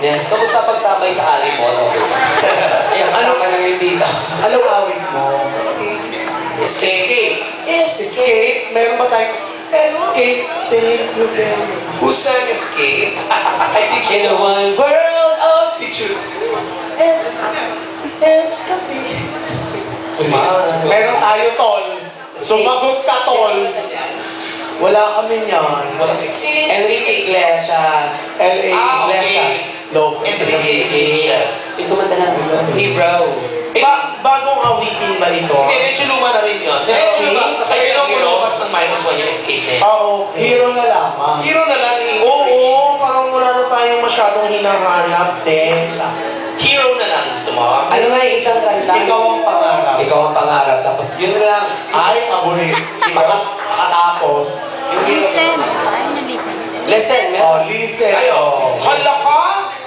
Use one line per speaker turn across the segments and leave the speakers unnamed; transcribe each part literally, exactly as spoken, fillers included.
Yeah.
Kamusta pagtabay sa ali mo?
Eh, kasama lang yung dito.
Anong awit mo?
Escape.
Yes, escape. Meron ba tayong escape? Take you there.
Who sang Escape? I think
In a one world of
picture.
Es, escape.
Smile.
Meron tayo, tol. Sumagot ka, tol. Wala kami niyan.
Walang exist.
Enrique Iglesias.
L A
Ah, okay.
Iglesias. Low.
Enrique Iglesias.
Yung kumanta lang.
Hey, bro.
Ba bagong awitin ba ito?
Hindi, medyo luma na rin yun. Medyo
Okay.
luma. Kasi
Ayun
yun ang
ang
lumabas ng minus one yung Escape na yun.
Ah, okay. Hero na lamang.
Hero na lang eh.
Oo, parang wala na tayong masyadong hinahanap, Tess.
Hero na lang gusto mo.
Ano nga yung isang kanta?
Ikaw ang pangarap.
Ikaw ang pangarap. Tapos yun lang.
Ay, paborit. Makatapos.
Listen. Ay, na-listen.
Listen,
Oh,
meron.
listen.
Ayo.
Oh. Hala ka?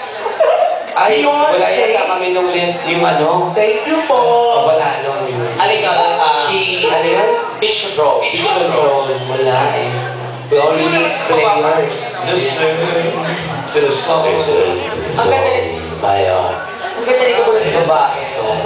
Ay, wala
Beyonce.
yata kami nung list yung ano.
Thank you po.
Oh, wala nun yun.
Alin ka? Ah,
Key, ano yun?
Beach Control.
Beach control. Wala eh. We only play yours.
Listen to the song.
Ang ganda nito.
Bayo. Ang ganda nito mula sa babae.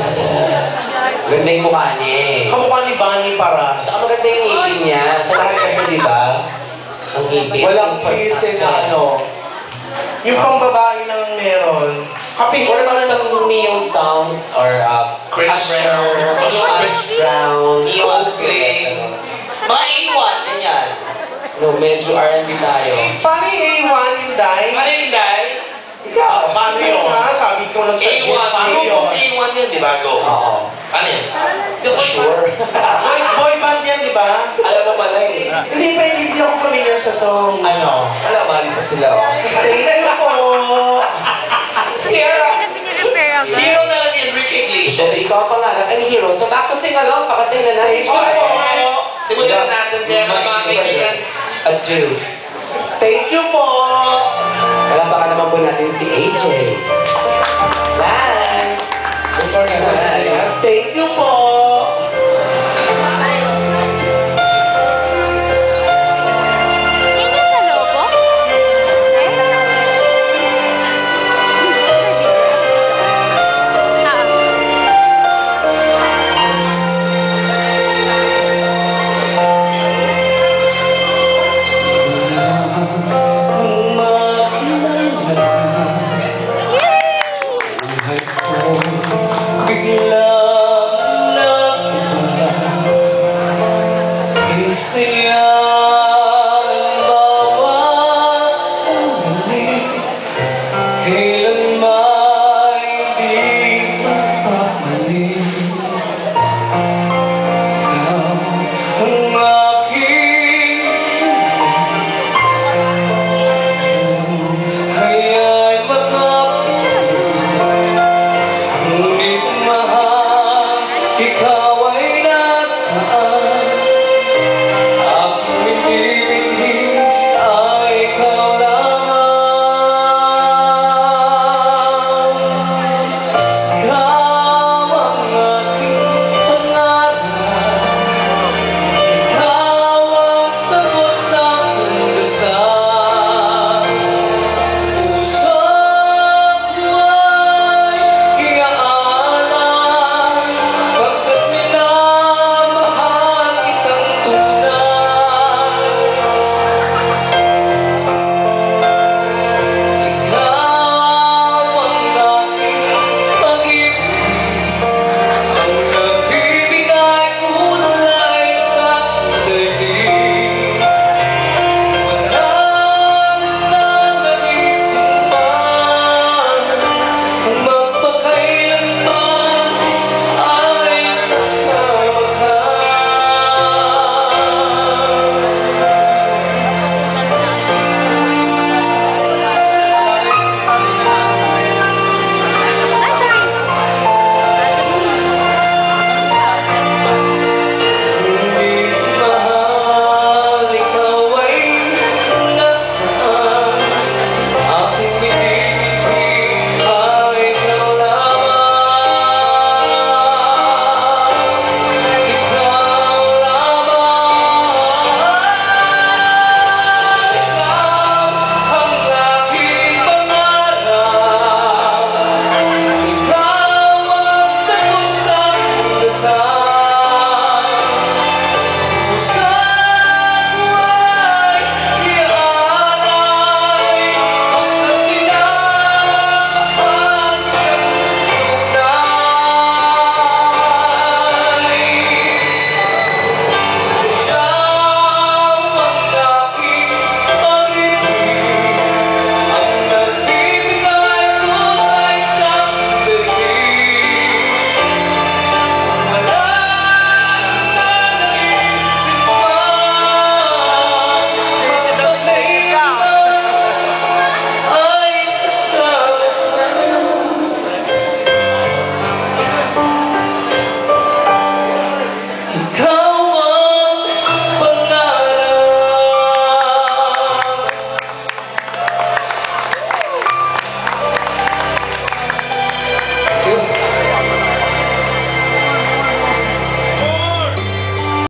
Ganda yung mukha niya eh.
Kamukha ni Bunny para.
Saka maganda yung ngipin niya. Sa lahat kasi, di ba? Ang ngipin.
Walang listen na ano. Yung pang babae lang meron. Kaping
Or mga sa neon songs or uh,
Chris
Usher,
Brown.
Chris Brown,
Neon Coldplay. Mga A one, ganyan.
No, medyo R and B tayo.
Paano yung A one yung die?
Ano yun, Day?
Ikaw, paano yun? Nga, sabi ko lang
A
sa
one. Ano kung A one yun, di ba? Go.
Oo.
Ano yan?
Sure. boy, boy band yan, di ba?
Alam mo pala eh.
Hindi pa, hindi ako familiar sa songs.
Ano?
Wala, malis na sila.
Thank you po.
Sierra.
Pinag-repair ako.
Hero na lang yung Enrique
So,
Iglesias.
ikaw ang pangarap and hero. So, back to sing along. Pakatay na natin.
Thank you po.
Simulan natin yan, mga kaibigan.
Adieu.
Thank you po.
Palapakan naman po natin si A J. Lance. Good morning, Lance.
Thank you po.